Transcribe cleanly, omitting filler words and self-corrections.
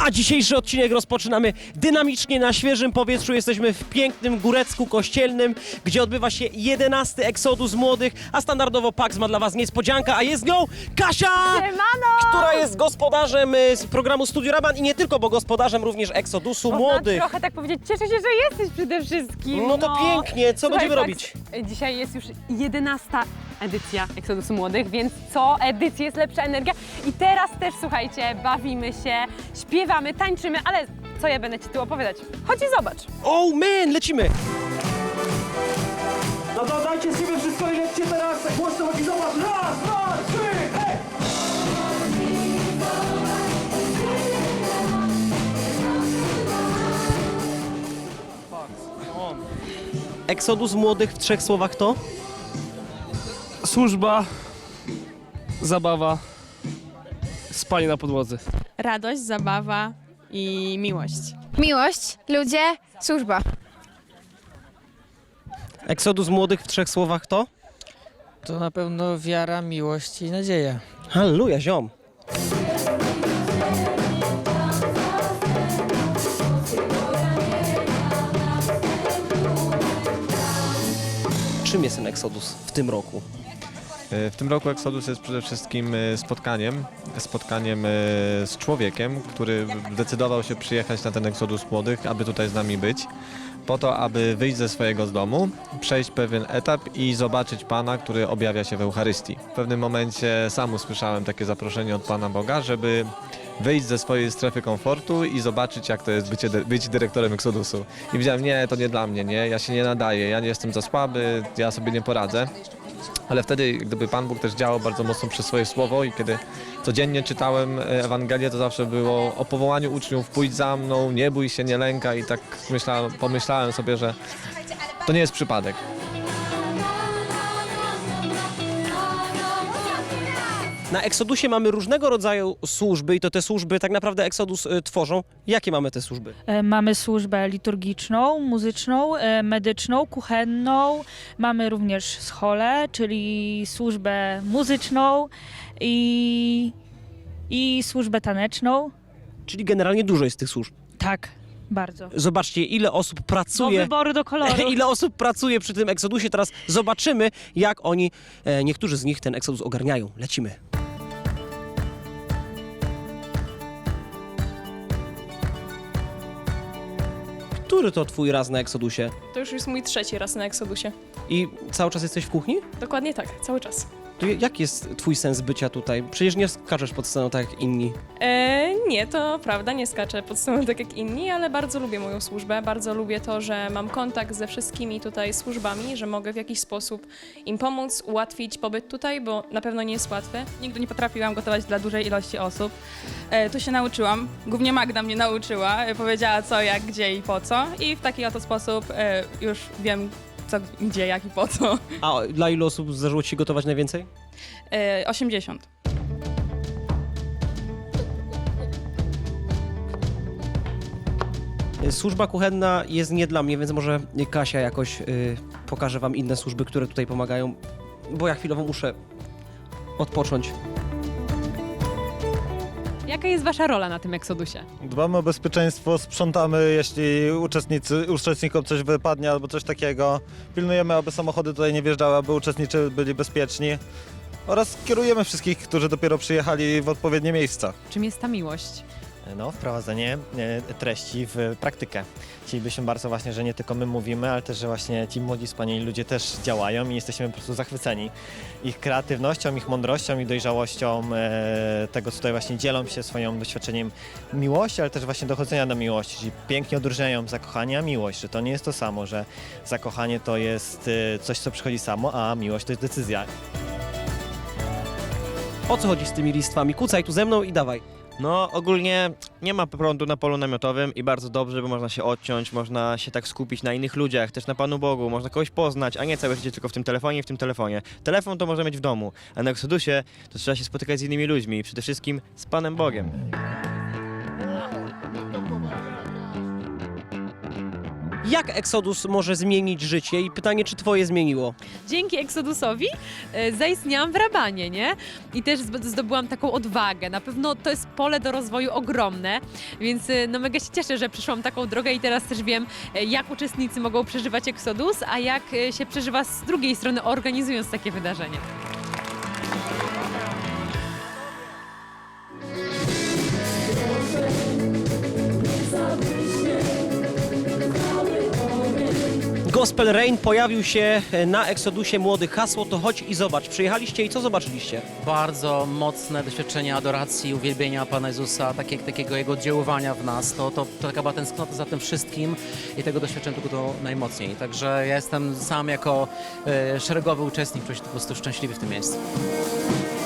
A dzisiejszy odcinek rozpoczynamy dynamicznie, na świeżym powietrzu. Jesteśmy w pięknym Górecku Kościelnym, gdzie odbywa się 11. Exodus Młodych, a standardowo Pax ma dla Was niespodziankę, a jest nią Kasia! Siemano! Która jest gospodarzem z programu Studio Raban i nie tylko, bo gospodarzem również Exodusu Młodych. Trochę tak powiedzieć, cieszę się, że jesteś przede wszystkim. No to pięknie, co Słuchaj, będziemy Pax, robić? Dzisiaj jest już 11. edycja Exodusu Młodych, więc co edycję jest lepsza energia. I teraz też, słuchajcie, bawimy się, śpiewamy, tańczymy, ale co ja będę Ci tu opowiadać? Chodź i zobacz. Oh man, lecimy! No to dajcie z siebie wszystko i lećcie teraz głośno, chodzi, zobacz! Raz, dwa, trzy, hej! Exodus Młodych w 3 słowach to? Służba, zabawa, spanie na podłodze. Radość, zabawa i miłość. Miłość, ludzie, służba. Exodus Młodych w 3 słowach to? To na pewno wiara, miłość i nadzieja. Halleluja, ziom! Czym jest ten Exodus w tym roku? W tym roku Exodus jest przede wszystkim spotkaniem z człowiekiem, który zdecydował się przyjechać na ten Exodus Młodych, aby tutaj z nami być, po to, aby wyjść ze swojego domu, przejść pewien etap i zobaczyć Pana, który objawia się w Eucharystii. W pewnym momencie sam usłyszałem takie zaproszenie od Pana Boga, żeby wyjść ze swojej strefy komfortu i zobaczyć, jak to jest być dyrektorem Exodusu. I wiedziałem, nie, to nie dla mnie, nie, ja się nie nadaję, ja nie jestem za słaby, ja sobie nie poradzę. Ale wtedy, gdyby Pan Bóg też działał bardzo mocno przez swoje słowo i kiedy codziennie czytałem Ewangelię, to zawsze było o powołaniu uczniów, pójdź za mną, nie bój się, nie lękaj i tak pomyślałem sobie, że to nie jest przypadek. Na Exodusie mamy różnego rodzaju służby i to te służby tak naprawdę Exodus tworzą. Jakie mamy te służby? Mamy służbę liturgiczną, muzyczną, medyczną, kuchenną. Mamy również scholę, czyli służbę muzyczną i służbę taneczną. Czyli generalnie dużo jest tych służb. Tak, bardzo. Zobaczcie, ile osób Do pracuje. wyboru, do koloru. Ile osób pracuje przy tym Exodusie. Teraz zobaczymy, jak oni, niektórzy z nich ten Exodus ogarniają. Lecimy. Który to twój raz na Exodusie? To już jest mój 3. raz na Exodusie. I cały czas jesteś w kuchni? Dokładnie tak, cały czas. To jaki jest twój sens bycia tutaj? Przecież nie skaczesz pod sceną tak jak inni. Nie, to prawda, nie skaczę pod sceną tak jak inni, ale bardzo lubię moją służbę. Bardzo lubię to, że mam kontakt ze wszystkimi tutaj służbami, że mogę w jakiś sposób im pomóc, ułatwić pobyt tutaj, bo na pewno nie jest łatwy. Nigdy nie potrafiłam gotować dla dużej ilości osób. Tu się nauczyłam. Głównie Magda mnie nauczyła. Powiedziała co, jak, gdzie i po co. I w taki oto sposób już wiem co, gdzie, jak i po co. A dla ilu osób zdarzyło ci się gotować najwięcej? 80. Służba kuchenna jest nie dla mnie, więc może Kasia jakoś pokaże wam inne służby, które tutaj pomagają, bo ja chwilowo muszę odpocząć. Jaka jest Wasza rola na tym Exodusie? Dbamy o bezpieczeństwo, sprzątamy, jeśli uczestnikom coś wypadnie albo coś takiego. Pilnujemy, aby samochody tutaj nie wjeżdżały, aby uczestnicy byli bezpieczni. Oraz kierujemy wszystkich, którzy dopiero przyjechali w odpowiednie miejsca. Czym jest ta miłość? No, wprowadzenie treści w praktykę. Chcielibyśmy bardzo właśnie, że nie tylko my mówimy, ale też, że właśnie ci młodzi, wspaniali ludzie też działają i jesteśmy po prostu zachwyceni ich kreatywnością, ich mądrością i dojrzałością tego, co tutaj właśnie dzielą się swoim doświadczeniem miłości, ale też właśnie dochodzenia do miłości, czyli pięknie odróżniają zakochanie a miłość, że to nie jest to samo, że zakochanie to jest coś, co przychodzi samo, a miłość to jest decyzja. O co chodzi z tymi listwami? Kucaj tu ze mną i dawaj. No ogólnie nie ma prądu na polu namiotowym i bardzo dobrze, bo można się odciąć, można się tak skupić na innych ludziach, też na Panu Bogu, można kogoś poznać, a nie całe życie tylko w tym telefonie i w tym telefonie. Telefon to można mieć w domu, a na Exodusie to trzeba się spotykać z innymi ludźmi i przede wszystkim z Panem Bogiem. Jak Exodus może zmienić życie i pytanie, czy twoje zmieniło? Dzięki Exodusowi zaistniałam w Rabanie, nie? I też zdobyłam taką odwagę. Na pewno to jest pole do rozwoju ogromne, więc no mega się cieszę, że przyszłam taką drogę i teraz też wiem, jak uczestnicy mogą przeżywać Exodus, a jak się przeżywa z drugiej strony, organizując takie wydarzenie. Gospel Rain pojawił się na Exodusie Młodych. Hasło to chodź i zobacz. Przyjechaliście i co zobaczyliście? Bardzo mocne doświadczenie adoracji, uwielbienia Pana Jezusa, takiego Jego oddziaływania w nas. To taka była tęsknota za tym wszystkim i tego doświadczyłem tylko to najmocniej. Także ja jestem sam jako szeregowy uczestnik, czuję się po prostu szczęśliwy w tym miejscu.